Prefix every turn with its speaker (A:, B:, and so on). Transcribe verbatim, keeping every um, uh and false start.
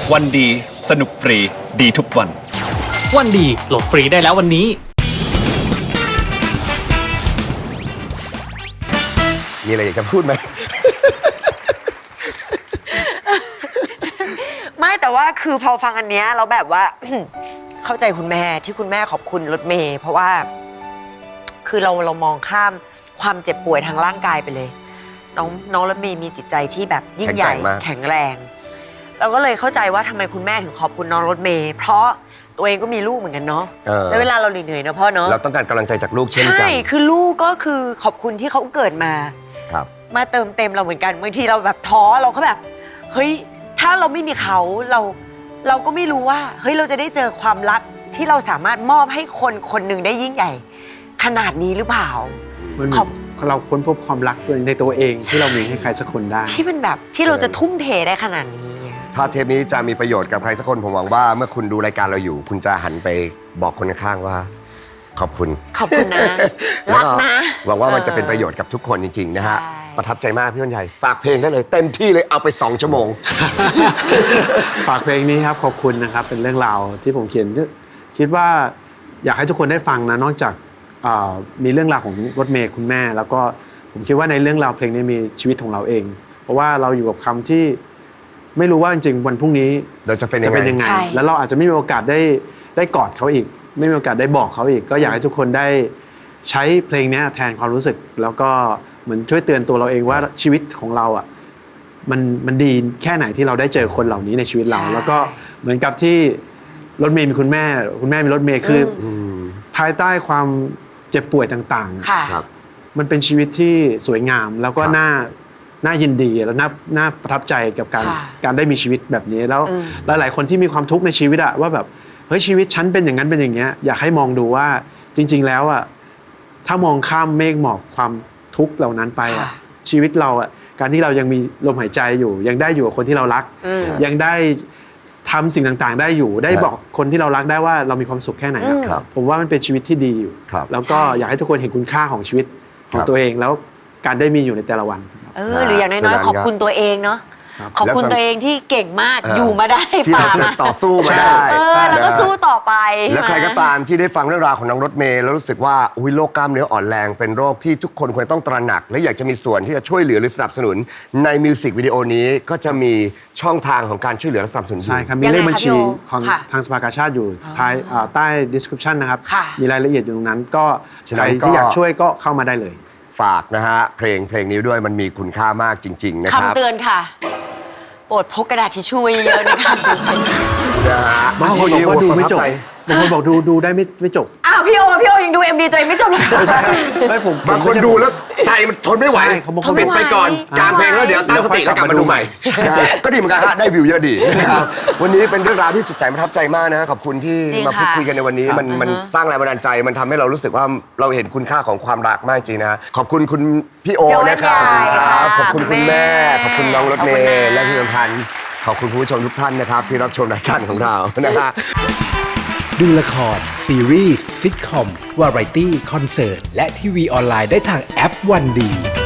A: วันดีสนุกฟรีดีทุกวัน
B: วันดีโหลดฟรีได้แล้ววันนี้
C: มีอะไรอยากจะพูดไหม
D: ไม่แต่ว่าคือพอฟังอันเนี้ยเราแบบว่า เข้าใจคุณแม่ที่คุณแม่ขอบคุณรถเมย์เพราะว่า คือเราเรามองข้ามความเจ็บป่วยทางร่างกายไปเลย น้องน้องรถเมย์มีจิตใจที่แบบยิ่งใหญ่แข็งแรงเราก็เลยเข้าใจว่าทำไมคุณแม่ถึงขอบคุณน้องรถเมย์เพราะตัวเองก็มีลูกเหมือนกันเนาะแล้วเวลาเราเหนื่อยๆเนาะพ่อเนาะ
C: เราต้องการกำลังใจจากลูกเช่นกันใช่
D: คือลูกก็คือขอบคุณที่เขาเกิดมา
C: ครับ
D: มาเติมเต็มเราเหมือนกันบางทีเราแบบท้อเราก็แบบเฮ้ยถ้าเราไม่มีเขาเราเราก็ไม่รู้ว่าเฮ้ยเราจะได้เจอความรักที่เราสามารถมอบให้คนคนหนึ่งได้ยิ่งใหญ่ขนาดนี้หรือเปล่า
E: ขอบเราค้นพบความรักในตัวเองที่เรามีให้ใครสักคนได้
D: ที่เป็นแบบที่เราจะทุ่มเทได้ขนาดนี้
C: ถ้าเทปนี้จะมีประโยชน์กับใครสักคนผมหวังว่าเมื่อคุณดูรายการเราอยู่คุณจะหันไปบอกคนข้างๆว่าขอบคุณ
D: ขอบคุณนะรักนะ
C: หวังว่ามันจะเป็นประโยชน์กับทุกคนจริงๆนะฮะประทับใจมากพี่วันใหญ่ฝากเพลงได้เลยเต็มที่เลยเอาไปสองชั่วโมง
E: ฝากเพลงนี้ครับขอบคุณนะครับเป็นเรื่องราวที่ผมเขียนคิดว่าอยากให้ทุกคนได้ฟังนะนอกจากมีเรื่องราวของรถเมย์คุณแม่แล้วก็ผมคิดว่าในเรื่องราวเพลงนี้มีชีวิตของเราเองเพราะว่าเราอยู่กับคำที่ไม่รู้ว่าจริงๆวันพรุ่งนี้
C: เราจะเป็นยังไง
E: แล้วเราอาจจะไม่มีโอกาสได้ได้กอดเขาอีกไม่มีโอกาสได้บอกเขาอีกก็อยากให้ทุกคนได้ใช้เพลงนี้แทนความรู้สึกแล้วก็เหมือนช่วยเตือนตัวเราเองว่าชีวิตของเราอ่ะมันมันดีแค่ไหนที่เราได้เจอคนเหล่านี้ในชีวิตเราแล้วก็เหมือนกับที่รถเมย์มีคุณแม่คุณแม่มีรถเมย์คือภายใต้ความเจ็บป่วยต่างๆมันเป็นชีวิตที่สวยงามแล้วก็น่าน่ายินดีแล้วน่าน่าประทับใจกับการการได้มีชีวิตแบบนี้แล้วหลายๆคนที่มีความทุกข์ในชีวิตอะว่าแบบเฮ้ยชีวิตฉันเป็นอย่างนั้นเป็นอย่างเงี้ยอยากให้มองดูว่าจริงๆแล้วอะถ้ามองข้ามเมฆหมอกความทุกข์เหล่านั้นไปอะชีวิตเราอะการที่เรายังมีลมหายใจอยู่ยังได้อยู่กับคนที่เรารักยังได้ทำสิ่งต่างๆได้อยู่ได้บอกคนที่เรารักได้ว่าเรามีความสุขแค่ไหนผมว่ามันเป็นชีวิตที่ดีอยู่แล้วก็อยากให้ทุกคนเห็นคุณค่าของชีวิตของตัวเองแล้วการได้มีอยู่ในแต่ละวัน
D: เออหรืออย่างน้อยๆขอบคุณตัวเองเนาะขอบคุณตัวเองที่เก่งมากอยู่มาได้ฝ่ามา
C: ต่อสู้มาได้
D: เออแล้วก็สู้ต่อไป
C: แล้วใครก็ตามที่ได้ฟังเรื่องราวของน้องรถเมย์แล้วรู้สึกว่าอุ้ยโรคกล้ามเนื้ออ่อนแรงเป็นโรคที่ทุกคนควรต้องตระหนักและอยากจะมีส่วนที่จะช่วยเหลือหรือสนับสนุนในมิวสิกวิดีโอนี้ก็จะมีช่องทางของการช่วยเหลือและสนับสนุน
E: ใช่ครับมีเลขบัญชีของทางสภากาชาติอยู่ท้ายใต้ description นะครับมีรายละเอียดอยู่ตรงนั้นก็ใครที่อยากช่วยก็เข้ามาได้เลย
C: ฝากนะฮะเพลงเพลงนี้ด้วยมันมีคุณค่ามากจริงๆนะครับ
D: คำเตือนค่ะโปรดพกกระดาษทิชชู่เยอะๆนะคะ
C: นะฮะ
E: บางคนบอกว่าดูไม่จบบางคนบอกดูดูได้ไม่ไม่จบ
D: อ้าวพี่โอพี่โอยังดู เอ็ม วี ตัวเองไม่จบเลย
E: ใช่ไม่ผม
C: บางคนดูแล้วใจมันทนไม่ไหวปิดไปก่อนกลางเพลงแล้วเดี๋ยวตั้งสติแล้วกลับมาดูใหม่ก็ดีเหมือนกันฮะได้วิวเยอะดีนะครับวันนี้เป็นเรื่องราวที่สุดแสนประทับใจมากนะขอบคุณที่มาพูดคุยกันในวันนี้มันมันสร้างแรงบันดาลใจมันทำให้เรารู้สึกว่าเราเห็นคุณค่าของความรักมากจริงนะขอบคุณคุณพี่โอนะครับขอบคุณคุณแม่ขอบคุณน้องรถเมย์และพี่อมพันธ์ขอบคุณผู้ชมทุกท่านนะครับที่รับชมรายการของเรานะฮะ
F: ดูละครซีรีส์ซิทคอมวาไรตี้คอนเสิร์ตและทีวีออนไลน์ได้ทางแอปวันดี